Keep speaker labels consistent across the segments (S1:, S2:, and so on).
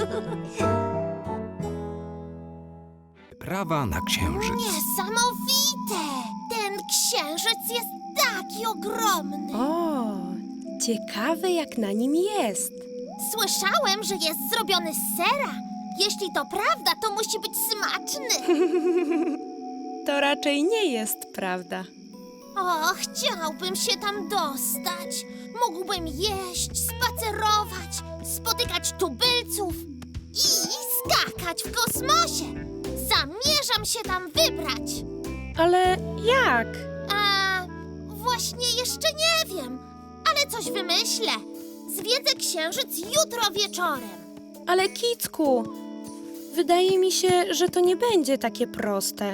S1: Prawa na księżyc.
S2: Niesamowite! Ten księżyc jest taki ogromny.
S3: O, ciekawe jak na nim jest.
S2: Słyszałem, że jest zrobiony z sera. Jeśli to prawda, to musi być smaczny.
S3: To raczej nie jest prawda.
S2: O, chciałbym się tam dostać. Mógłbym jeść, spacerować, spotykać tubylców i skakać w kosmosie. Zamierzam się tam wybrać.
S3: Ale jak?
S2: A właśnie jeszcze nie wiem, ale coś wymyślę. Zwiedzę księżyc jutro wieczorem.
S3: Ale Kicku, wydaje mi się, że to nie będzie takie proste.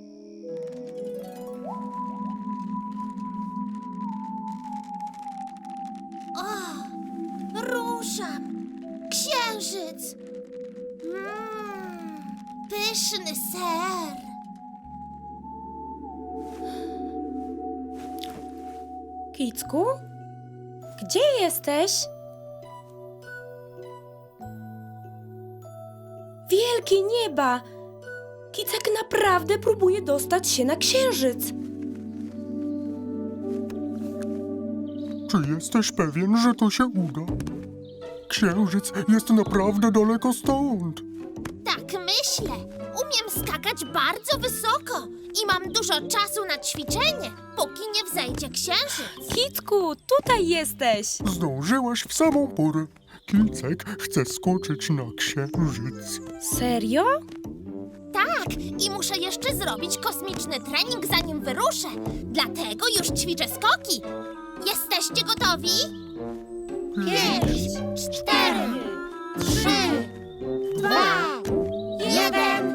S2: O, ruszam. Księżyc. Pyszny ser.
S3: Kicku? Gdzie jesteś? Wielkie nieba! Kicek naprawdę próbuje dostać się na księżyc.
S4: Czy jesteś pewien, że to się uda? Księżyc jest naprawdę daleko stąd.
S2: Tak myślę. Umiem skakać bardzo wysoko i mam dużo czasu na ćwiczenie, póki nie wzejdzie księżyc.
S3: Kicku, tutaj jesteś!
S4: Zdążyłaś w samą porę. Kicek chce skoczyć na księżyc.
S3: Serio?
S2: Tak, i muszę jeszcze zrobić kosmiczny trening, zanim wyruszę. Dlatego już ćwiczę skoki. Jesteście gotowi? 5, 4, 3, 2, 1.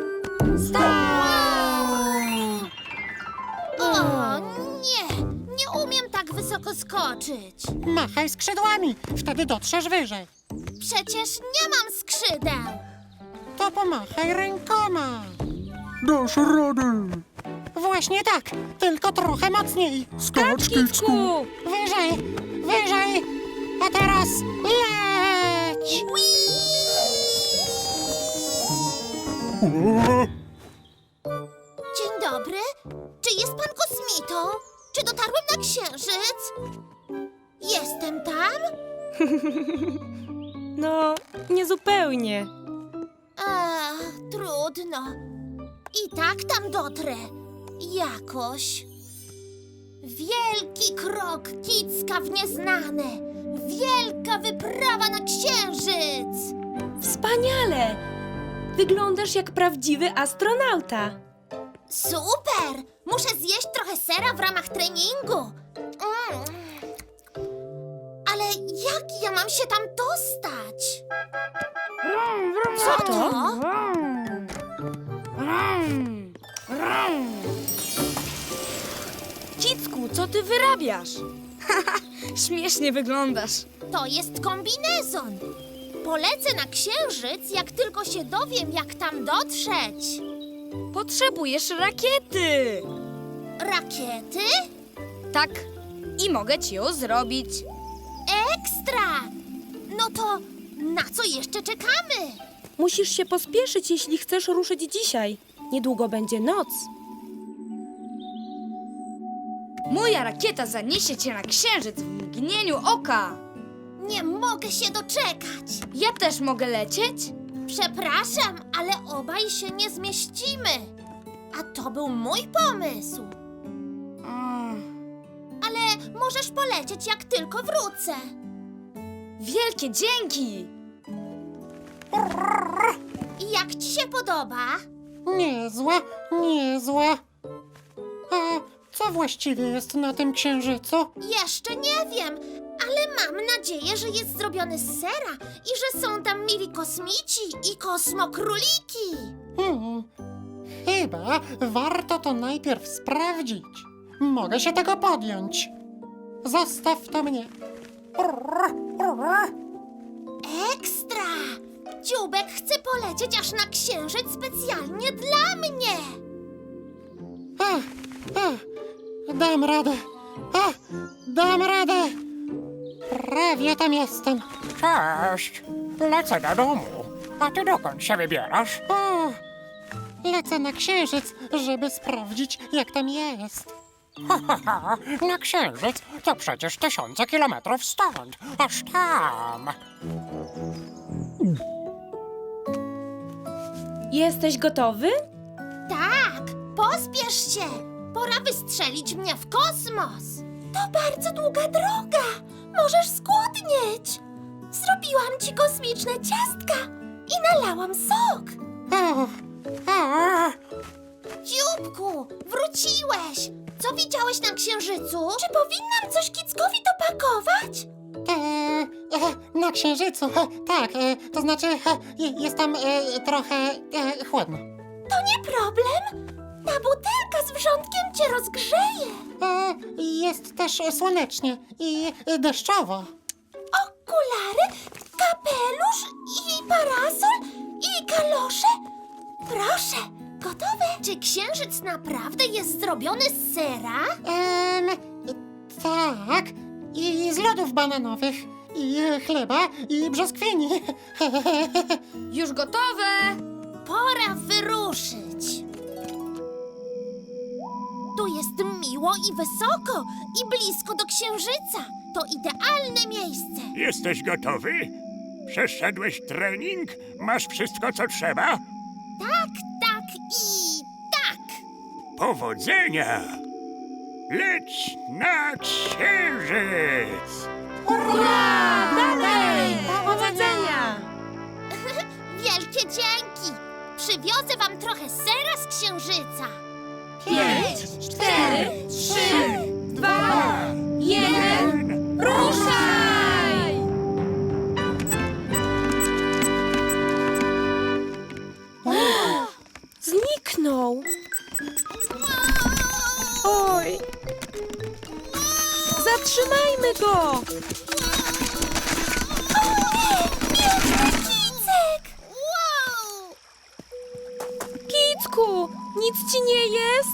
S2: O nie, nie umiem tak wysoko skoczyć.
S5: Machaj skrzydłami, wtedy dotrzesz wyżej.
S2: Przecież nie mam skrzydeł.
S5: To pomachaj rękoma.
S4: Dasz radę.
S5: Właśnie tak, tylko trochę mocniej.
S4: Skacz, Kicku.
S3: Kicku!
S5: Wyżej, wyżej. A teraz leć.
S4: O,
S2: Dzień dobry. Czy jest pan kosmitą? Czy dotarłem na księżyc? Jestem tam?
S3: No, niezupełnie.
S2: Trudno. I tak tam dotrę. Jakoś. Wielki krok Kicka w nieznane. Wielka wyprawa na księżyc.
S3: Wspaniale! Wyglądasz jak prawdziwy astronauta.
S2: Super! Muszę zjeść trochę sera w ramach treningu. Ale jak ja mam się tam dostać? Co to?
S6: Kicku, co ty wyrabiasz? Śmiesznie wyglądasz.
S2: To jest kombinezon. Polecę na księżyc, jak tylko się dowiem, jak tam dotrzeć.
S6: Potrzebujesz rakiety.
S2: Rakiety?
S6: Tak, i mogę ci ją zrobić.
S2: Ekstra! No to na co jeszcze czekamy?
S3: Musisz się pospieszyć, jeśli chcesz ruszyć dzisiaj. Niedługo będzie noc.
S6: Moja rakieta zaniesie cię na księżyc w mgnieniu oka.
S2: Nie mogę się doczekać.
S6: Ja też mogę lecieć?
S2: Przepraszam, ale obaj się nie zmieścimy. A to był mój pomysł. Ale możesz polecieć, jak tylko wrócę.
S6: Wielkie dzięki!
S2: I jak ci się podoba?
S5: Niezła, niezła. A co właściwie jest na tym księżycu?
S2: Jeszcze nie wiem, ale mam nadzieję, że jest zrobiony z sera i że są tam mili kosmici i kosmokróliki.
S5: Chyba warto to najpierw sprawdzić. Mogę się tego podjąć. Zostaw to mnie.
S2: Ekstra! Dziubek chce polecieć aż na księżyc specjalnie dla mnie.
S5: Dam radę. Dam radę. Prawie tam jestem.
S7: Cześć, lecę do domu. A ty dokąd się wybierasz?
S5: O, lecę na księżyc, żeby sprawdzić, jak tam jest.
S7: Ha, na księżyc to przecież tysiące kilometrów stąd, aż tam.
S3: Jesteś gotowy?
S2: Tak, pospiesz się. Pora wystrzelić mnie w kosmos. To bardzo długa droga. Możesz skłodnieć. Zrobiłam ci kosmiczne ciastka i nalałam sok.
S5: O, o,
S2: Dzióbku, wróciłeś. Co widziałeś na księżycu? Czy powinnam coś Kickowi dopakować?
S5: na księżycu, tak, to znaczy jest tam trochę chłodno.
S2: To nie problem. Ta butelka z wrzątkiem cię rozgrzeje.
S5: Jest też słonecznie i deszczowo.
S2: Okulary, kapelusz i parasol i kalosze. Proszę, gotowe? Czy księżyc naprawdę jest zrobiony z sera?
S5: Tak, i z lodów bananowych, i chleba, i brzoskwini.
S6: Już gotowe!
S2: Pora wyruszyć. Tu jest miło i wysoko i blisko do księżyca. To idealne miejsce.
S8: Jesteś gotowy? Przeszedłeś trening? Masz wszystko, co trzeba?
S2: Tak, tak i tak.
S8: Powodzenia! Leć na księżyc!
S3: Dalej! Powodzenia!
S2: Wielkie dzięki. Przywiozę wam trochę sera z księżyca.
S3: 5, 4, 3, 2, 1, ruszaj! Zniknął. Oj. Zatrzymajmy go!
S2: Kicek! Wow!
S3: Kicku, nic ci nie jest?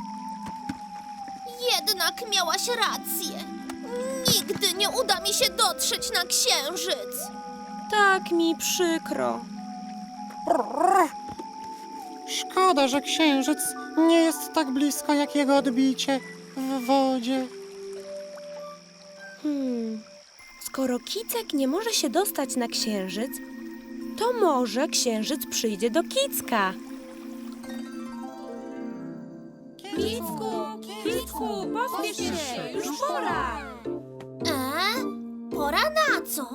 S2: Jednak miałaś rację. Nigdy nie uda mi się dotrzeć na księżyc.
S3: Tak mi przykro.
S5: Szkoda, że księżyc nie jest tak blisko jak jego odbicie w wodzie.
S3: Skoro Kicek nie może się dostać na księżyc, to może księżyc przyjdzie do Kicka. Kicku, pospiesz się, już pora.
S2: Pora na co?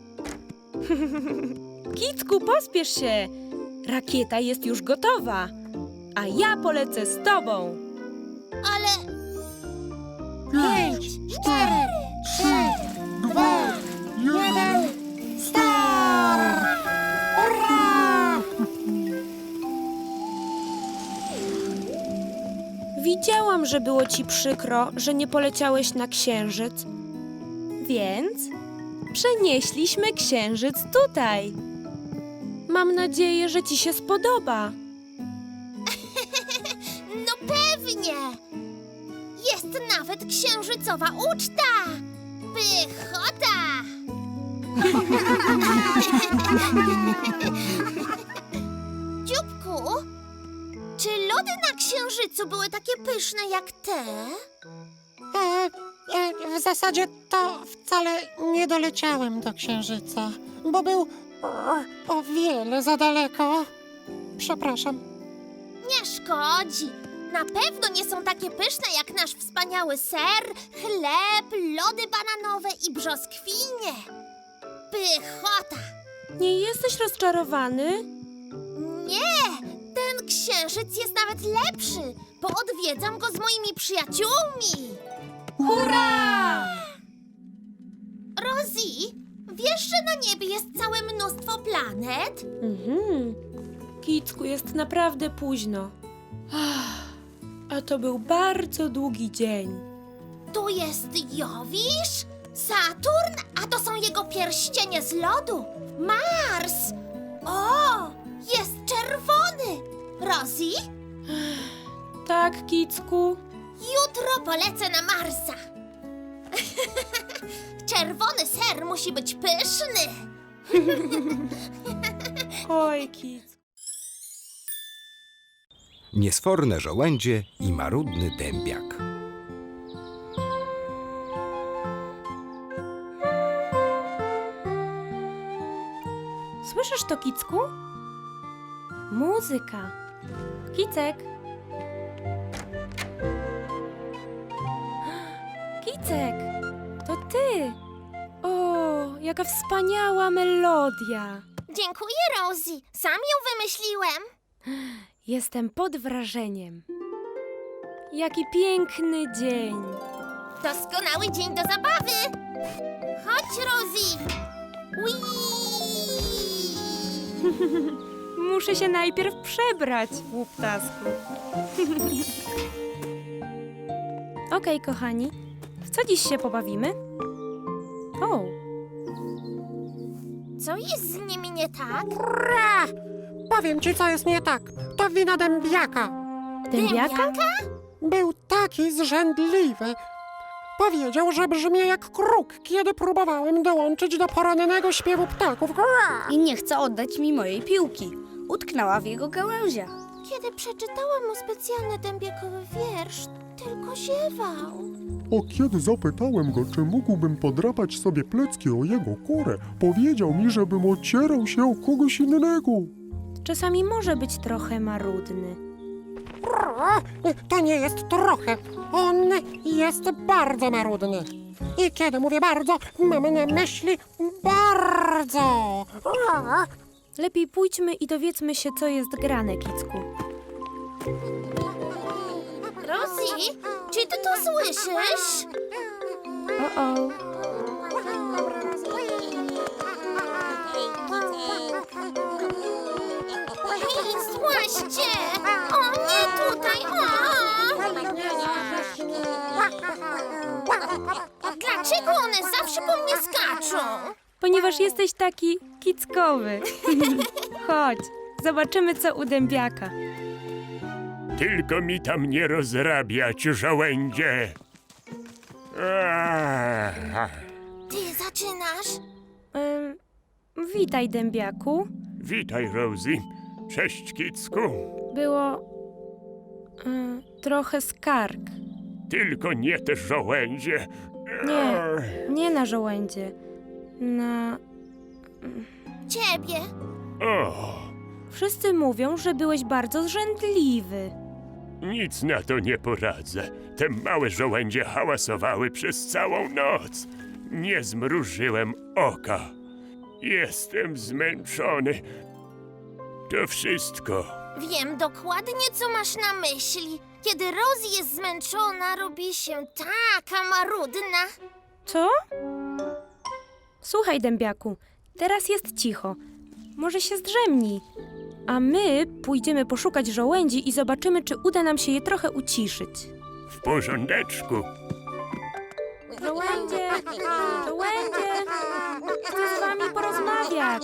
S3: Kicku, pospiesz się. Rakieta jest już gotowa, a ja polecę z tobą.
S2: Ale
S5: 5, 4, 3, 2, 1, start! Hurra!
S3: Widziałam, że było ci przykro, że nie poleciałeś na księżyc. Więc przenieśliśmy księżyc tutaj. Mam nadzieję, że ci się spodoba.
S2: no pewnie. Jest nawet księżycowa uczta. Pychota! Dzióbku, czy lody na księżycu były takie pyszne jak te?
S5: W zasadzie to wcale nie doleciałem do księżyca, bo był o wiele za daleko. Przepraszam.
S2: Nie szkodzi. Na pewno nie są takie pyszne jak nasz wspaniały ser, chleb, lody bananowe i brzoskwinie. Pychota!
S3: Nie jesteś rozczarowany?
S2: Nie! Ten księżyc jest nawet lepszy, bo odwiedzam go z moimi przyjaciółmi.
S3: Hurra!
S2: Rosie, wiesz, że na niebie jest całe mnóstwo planet?
S3: Kicku, jest naprawdę późno. A to był bardzo długi dzień.
S2: Tu jest Jowisz, Saturn, a to są jego pierścienie z lodu. Mars! O, jest czerwony! Rosie,
S3: Tak, Kicku?
S2: jutro polecę na Marsa. Czerwony ser musi być pyszny.
S3: Oj, Kic.
S1: Niesforne żołędzie i marudny dębiak.
S3: Słyszysz to, Kicku? Muzyka. Kicek. Kicek, to ty. O, jaka wspaniała melodia.
S2: Dziękuję, Rosie. Sam ją wymyśliłem.
S3: Jestem pod wrażeniem. Jaki piękny dzień.
S2: Doskonały dzień do zabawy. Chodź, Rosie. Whee!
S3: Muszę się najpierw przebrać, łuptasku. Okej, kochani, w co dziś się pobawimy? O,
S2: Co jest z nimi nie tak?
S5: Powiem ci, co jest nie tak. To wina dębiaka.
S3: dębiaka?
S5: Był taki zrzędliwy. Powiedział, że brzmię jak kruk, kiedy próbowałem dołączyć do porannego śpiewu ptaków.
S6: I nie chce oddać mi mojej piłki. Utknęła w jego gałęziach.
S2: Kiedy przeczytałam mu specjalny dębiakowy wiersz, tylko ziewał.
S4: A kiedy zapytałem go, czy mógłbym podrapać sobie plecki o jego kurę, powiedział mi, żebym ocierał się o kogoś innego.
S3: Czasami może być trochę marudny.
S5: To nie jest trochę. On jest bardzo marudny. I kiedy mówię bardzo, mam na myśli bardzo.
S3: Lepiej pójdźmy i dowiedzmy się, co jest grane, Kicku.
S2: Rosie, czy ty to słyszysz?
S3: O.
S2: Hej, złaście! O, nie tutaj! O! Dlaczego one zawsze po mnie skaczą?
S3: Ponieważ jesteś taki kickowy. Chodź, zobaczymy, co u dębiaka.
S8: Tylko mi tam nie rozrabiać, żołędzie.
S2: Ty zaczynasz?
S3: Witaj, dębiaku.
S8: Witaj, Rosie. Cześć, Kicku.
S3: Było trochę skarg.
S8: Tylko nie te żołędzie.
S3: Nie na żołędzie. Na...
S2: Ciebie.
S8: O,
S3: Wszyscy mówią, że byłeś bardzo zrzędliwy.
S8: nic na to nie poradzę. Te małe żołędzie hałasowały przez całą noc. Nie zmrużyłem oka. Jestem zmęczony. To wszystko.
S2: Wiem dokładnie, co masz na myśli. Kiedy Rosie jest zmęczona, robi się taka marudna.
S3: Co? Słuchaj, dębiaku, teraz jest cicho. Może się zdrzemnij. A my pójdziemy poszukać żołędzi i zobaczymy, czy uda nam się je trochę uciszyć.
S8: W porządeczku.
S3: Żołędzie! Żołędzie! Chcę z wami porozmawiać.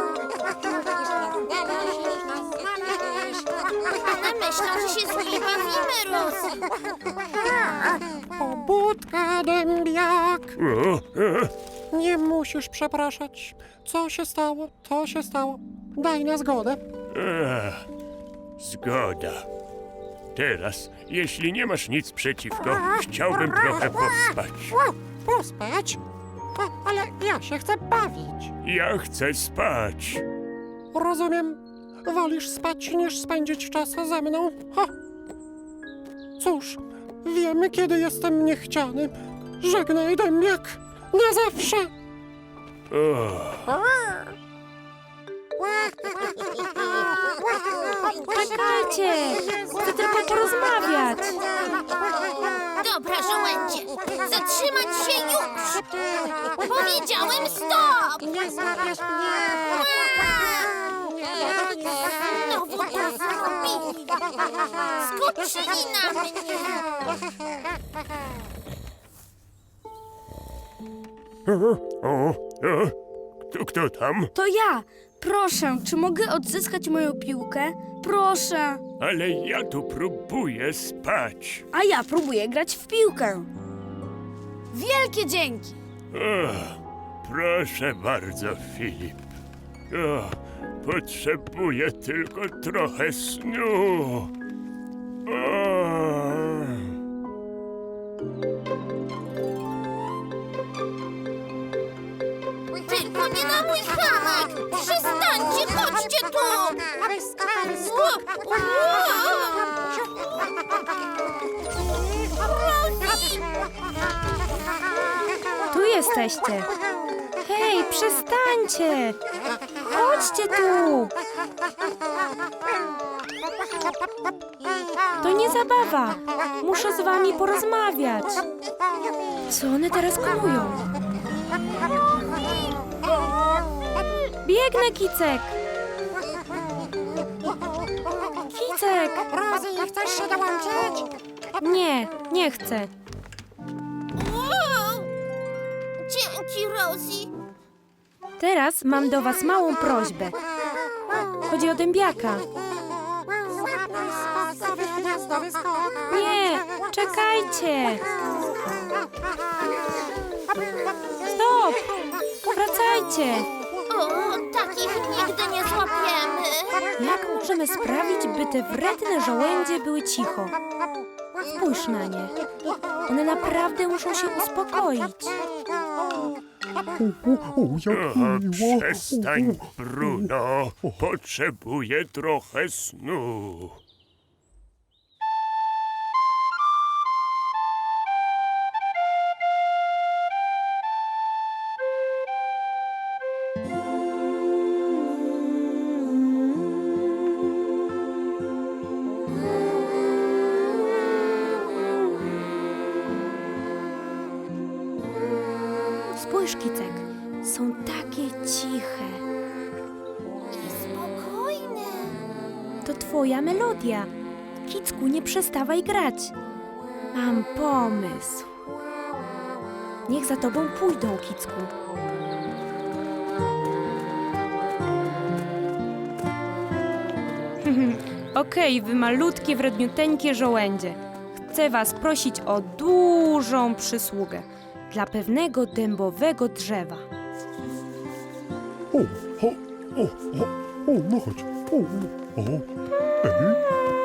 S2: One myślą, że się z nimi bawimy, Rosie.
S5: Pobudka, dębiak.
S8: O.
S5: Nie musisz przepraszać. Co się stało, to się stało. Daj na zgodę.
S8: Zgoda. Teraz, jeśli nie masz nic przeciwko, chciałbym trochę pospać.
S5: Pospać? Ale ja się chcę bawić.
S8: Ja chcę spać.
S5: Rozumiem. Wolisz spać, niż spędzić czas ze mną? Ha. Cóż, wiemy, kiedy jestem niechciany. Żegnaj, dębiak. Na zawsze.
S3: Czekajcie! Chcę tylko porozmawiać.
S2: Dobra, żołędzie, zatrzymać się już! Powiedziałem stop!
S5: Nie złapiesz mnie.
S2: Znowu to zrobili! Skoczyli na mnie!
S8: Kto tam?
S6: To ja. Proszę, czy mogę odzyskać moją piłkę? Proszę.
S8: Ale ja tu próbuję spać.
S6: A ja próbuję grać w piłkę. Wielkie dzięki!
S8: Proszę bardzo, Filip. Potrzebuję tylko trochę snu.
S2: Tylko nie na mój hamak! Przestańcie, chodźcie tu! Rosie!
S3: Tu jesteście. Hej, przestańcie! Chodźcie tu! To nie zabawa. Muszę z wami porozmawiać. Co one teraz komują? Biegnę, Kicek! Kicek!
S7: Rosie, chcesz się dołączyć?
S3: Nie, nie chcę.
S2: Dzięki, Rosie.
S3: Teraz mam do was małą prośbę. Chodzi o dębiaka.
S7: Gniazdowy skok.
S3: Nie, czekajcie! Stop! Wracajcie!
S2: O, takich nigdy nie złapiemy.
S3: Jak możemy sprawić, by te wredne żołędzie były cicho? Spójrz na nie. One naprawdę muszą się uspokoić.
S4: Jak miło.
S8: Przestań, Bruno. Potrzebuję trochę snu.
S3: Spójrz, Kicek. Są takie ciche.
S2: I spokojne.
S3: To twoja melodia. Kicku, nie przestawaj grać. Mam pomysł. Niech za tobą pójdą, Kicku. Okej, wy malutkie, wredniuteńkie żołędzie. Chcę was prosić o dużą przysługę dla pewnego dębowego drzewa.
S4: No chodź. Ej.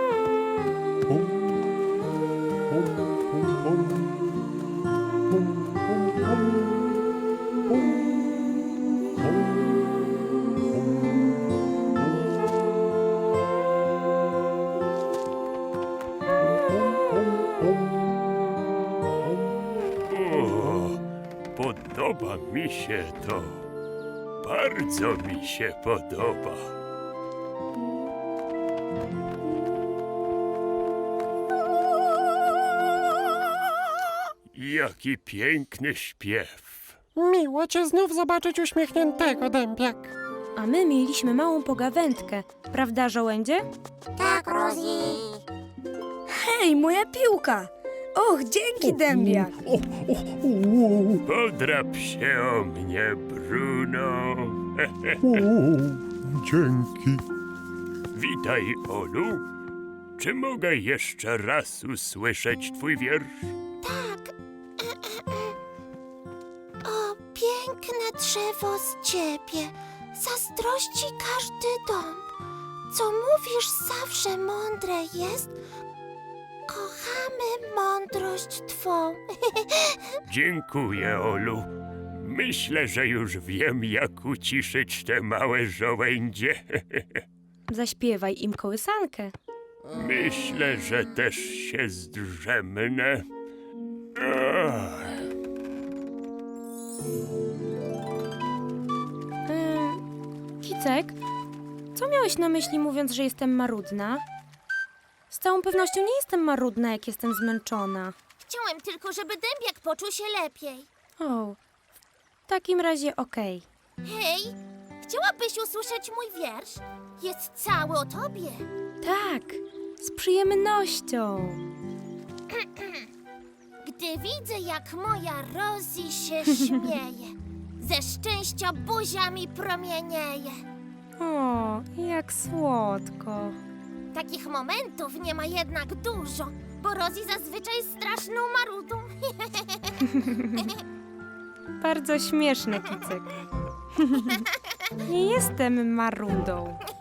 S8: Podoba mi się to. Bardzo mi się podoba. Jaki piękny śpiew.
S5: Miło cię znów zobaczyć uśmiechniętego, dębiak.
S3: A my mieliśmy małą pogawędkę, prawda, żołędzie?
S7: Tak, Rosie.
S6: Hej, moja piłka! Och, dzięki, dębiak!
S8: Podrap się o mnie, Bruno.
S4: Dzięki.
S8: Witaj, Olu. Czy mogę jeszcze raz usłyszeć twój wiersz?
S2: Tak. O, piękne drzewo z ciebie. Zazdrości każdy dąb. Co mówisz zawsze mądre jest. Kochamy mądrość twą.
S8: Dziękuję, Olu. Myślę, że już wiem, jak uciszyć te małe żołędzie.
S3: Zaśpiewaj im kołysankę.
S8: Myślę, że też się zdrzemnę.
S3: Kicek, co miałeś na myśli, mówiąc, że jestem marudna? Z całą pewnością nie jestem marudna, jak jestem zmęczona.
S2: Chciałem tylko, żeby dębiak poczuł się lepiej.
S3: O, w takim razie okej.
S2: Hej, chciałabyś usłyszeć mój wiersz? Jest cały o tobie.
S3: Tak, z przyjemnością.
S2: Gdy widzę, jak moja Rosie się śmieje, ze szczęścia buziami promienieje.
S3: O, jak słodko.
S2: Takich momentów nie ma jednak dużo, bo Rosie zazwyczaj jest straszną marudą.
S3: Bardzo śmieszne, Kicek. Nie jestem marudą.